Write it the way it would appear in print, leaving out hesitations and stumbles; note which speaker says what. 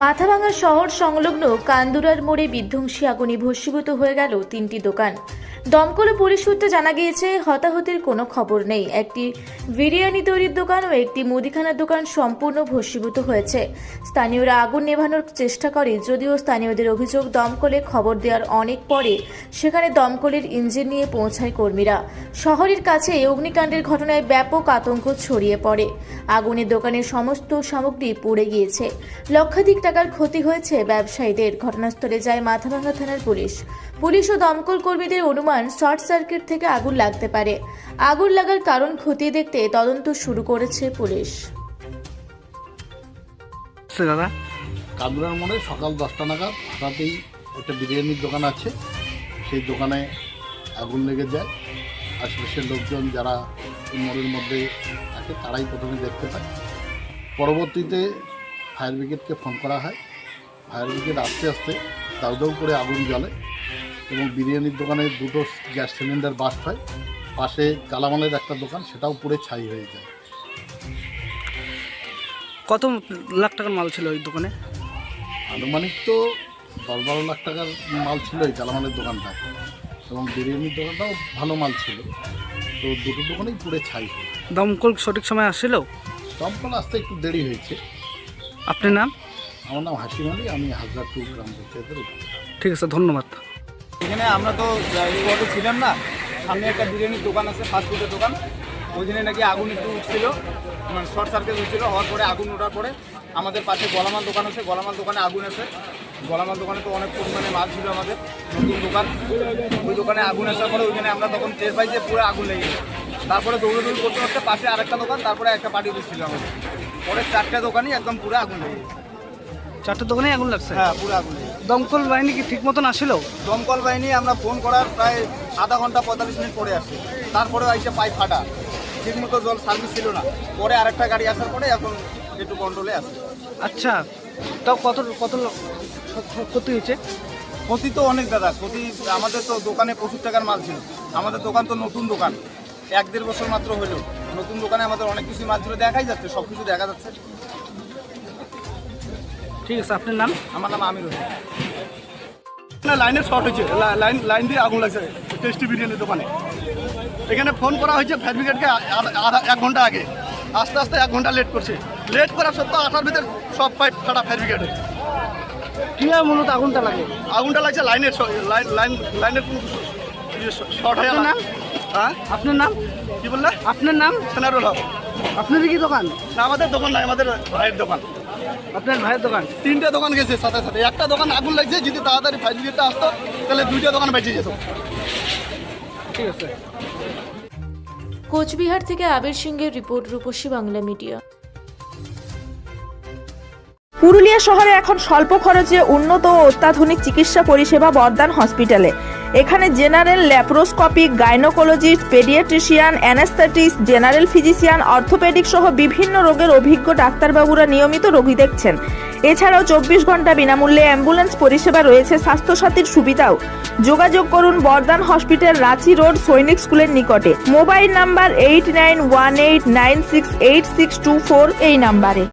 Speaker 1: মাথাভাঙা শহর সংলগ্ন কান্দুরার মোড়ে বিধ্বংসী আগুনে ভস্মীভূত হয়ে গেল 3টি দোকান। দমকল ও পুলিশ সূত্রে জানা গিয়েছে, হতাহতের কোনো খবর নেই। একটি বিরিয়ানি তৈরির দোকান ও একটি মুদিখানার দোকান সম্পূর্ণ ভস্মীভূত হয়েছে। স্থানীয়রা আগুন নেভানোর চেষ্টা করে, যদিও স্থানীয়দের অভিযোগ, দমকলে খবর দেওয়ার অনেক পরে সেখানে দমকলের ইঞ্জিন নিয়ে পৌঁছায় কর্মীরা। শহরের কাছে অগ্নিকাণ্ডের ঘটনায় ব্যাপক আতঙ্ক ছড়িয়ে পড়ে। আগুনে দোকানের সমস্ত সামগ্রী পুড়ে গিয়েছে। লক্ষাধিক টাকার ক্ষতি হয়েছে ব্যবসায়ীদের। ঘটনাস্থলে যায় মাথাভাঙা থানার পুলিশ ও দমকল কর্মীদের অনুমান, শর্ট সার্কিট থেকে আগুন লাগতে পারে। আগুন লাগার কারণ খতিয়ে দেখতে তদন্ত শুরু করেছে পুলিশ।
Speaker 2: দাদা,
Speaker 3: কান্দুরার মোড়ে সকাল 10টা নাগাদ হঠাৎই একটা বিরিয়ানির দোকান আছে, সেই দোকানে আগুন লেগে যায়। আশেপাশের লোকজন যারা এই মোড়ের মধ্যে থাকে তারাই প্রথমে দেখতে পায়। পরবর্তীতে ফায়ার ব্রিগেডকে ফোন করা হয়। ফায়ার ব্রিগেড আস্তে আস্তে দাউ দাউ করে আগুন জ্বলে এবং বিরিয়ানির দোকানে 2টো গ্যাস সিলিন্ডার বাস্ট হয়। পাশে কালামালের একটা দোকান, সেটাও পুড়ে ছাই হয়ে যায়।
Speaker 2: কত লাখ টাকার মাল ছিল ওই দোকানে?
Speaker 3: আনুমানিক তো 10-12 লাখ টাকার মাল ছিল এই কালামালের দোকানটা, এবং বিরিয়ানির দোকানটাও ভালো মাল ছিল। তো দুটো দোকানেই পুড়ে ছাই হয়।
Speaker 2: দমকল সঠিক সময় আসছিল?
Speaker 3: দমকল আসতে একটু দেরি হয়েছে।
Speaker 2: আপনার নাম?
Speaker 3: আমার নাম হাসিম আলী, আমি হাজারপুর গ্রাম পঞ্চায়েতের উপপ্রধান।
Speaker 2: ঠিক আছে, ধন্যবাদ।
Speaker 4: এখানে আমরা তো স্পটে ছিলাম না, সামনে একটা বিরিয়ানির দোকান আছে, ফাস্টফুডের দোকান। ওই দিনে নাকি আগুন একটু উঠছিল, মানে শর্ট সার্কিট হচ্ছিলো। হওয়ার পরে আগুন ওঠার পরে আমাদের পাশে গলামাল দোকান আছে, গলামাল দোকানে আগুন আছে। গলামাল দোকানে তো অনেক পরিমাণে মাল ছিল আমাদের, নতুন দোকান। ওই দোকানে আগুন আসার পরে ওইখানে আমরা তখন টের পাই যে পুরো আগুন লেগে গেছে। তারপরে দৌড়াদৌড়ি করতে করতে পাশে আরেকটা দোকান, তারপরে একটা পার্টি ছিল আমাদের। পরে 4টা দোকানই একদম পুরো আগুন লেগে গেছে।
Speaker 2: 4টে দোকানে আগুন লাগছে?
Speaker 4: হ্যাঁ, পুরো আগুন লেগে গেছে।
Speaker 2: দমকল বাহিনী কি ঠিক মতন আসছিল?
Speaker 4: দমকল বাহিনী আমরা ফোন করার প্রায় আধা ঘন্টা 45 মিনিট পরে আসে। তারপরেও আইসে পাইপ ফাটা, ঠিকমতো জল সার্ভিস ছিল না। পরে আরেকটা গাড়ি আসার পরে এখন একটু কন্ট্রোলে আসে।
Speaker 2: আচ্ছা, তাও কত কত ক্ষতি হয়েছে?
Speaker 4: ক্ষতি তো অনেক দাদা, ক্ষতি আমাদের তো দোকানে প্রচুর টাকার মাল ছিল। আমাদের দোকান তো নতুন দোকান, 1-1.5 বছর মাত্র হলো। নতুন দোকানে আমাদের অনেক কিছু মাল ছিল, দেখাই যাচ্ছে, সব কিছু দেখা যাচ্ছে।
Speaker 2: ঠিক আছে, আপনার নাম?
Speaker 4: আমার নাম আমির হোসেন।
Speaker 5: লাইনের শর্ট হয়েছে, লাইন দিয়ে আগুন লাগছে টেস্টি বিরিয়ানির দোকানে। এখানে ফোন করা হয়েছে ফায়ার ব্রিগেডকে 1 ঘন্টা আগে। আস্তে আস্তে 1 ঘন্টা লেট করছে। লেট করার সত্ত্বেও 8টার ভিতরে সব পাইপ ফাটা ফায়ার ব্রিগেডে।
Speaker 2: কীভাবে মূলত আগুনটা লাগে?
Speaker 5: আগুনটা লাগছে লাইনের শর্ট হয়ে
Speaker 2: নাম?
Speaker 5: হ্যাঁ,
Speaker 2: আপনার নাম
Speaker 5: কি বললে?
Speaker 2: আপনার নাম?
Speaker 5: সেনারুল হক।
Speaker 2: আপনাদের কি দোকান?
Speaker 5: না, আমাদের দোকান নাই, আমাদের ভাইয়ের দোকান।
Speaker 2: আপনার ভাইয়ের দোকান?
Speaker 5: 3টে দোকান গেছে সাথে সাথে। একটা দোকান আগুন লাগছে, যদি তাড়াতাড়ি ফায়ার ব্রিগেডটা আসতো তাহলে 2টা দোকান বেঁচে যেত।
Speaker 2: ঠিক আছে।
Speaker 1: কোচবিহার থেকে আবির সিংহের রিপোর্ট, রূপসী বাংলা মিডিয়া।
Speaker 6: পুরুলিয়া শহরে এখন স্বল্প খরচে উন্নত ও অত্যাধুনিক চিকিৎসা পরিষেবা বর্দান হসপিটালে। এখানে general, laparoscopic, gynaecologist, paediatrician, anaesthetist, general physician, orthopaedic সহ বিভিন্ন রোগের অভিজ্ঞ ডাক্তারবাবুরা নিয়মিত রোগী দেখছেন। এছাড়াও 24 ঘন্টা বিনামূল্যে অ্যাম্বুলেন্স পরিষেবা রয়েছে, স্বাস্থ্যসাথীর সুবিধাও। যোগাযোগ করুন বর্দান হসপিটাল, রাঁচি রোড, সৈনিক স্কুলের নিকটে। মোবাইল নাম্বার 8918968624 এই নাম্বারে।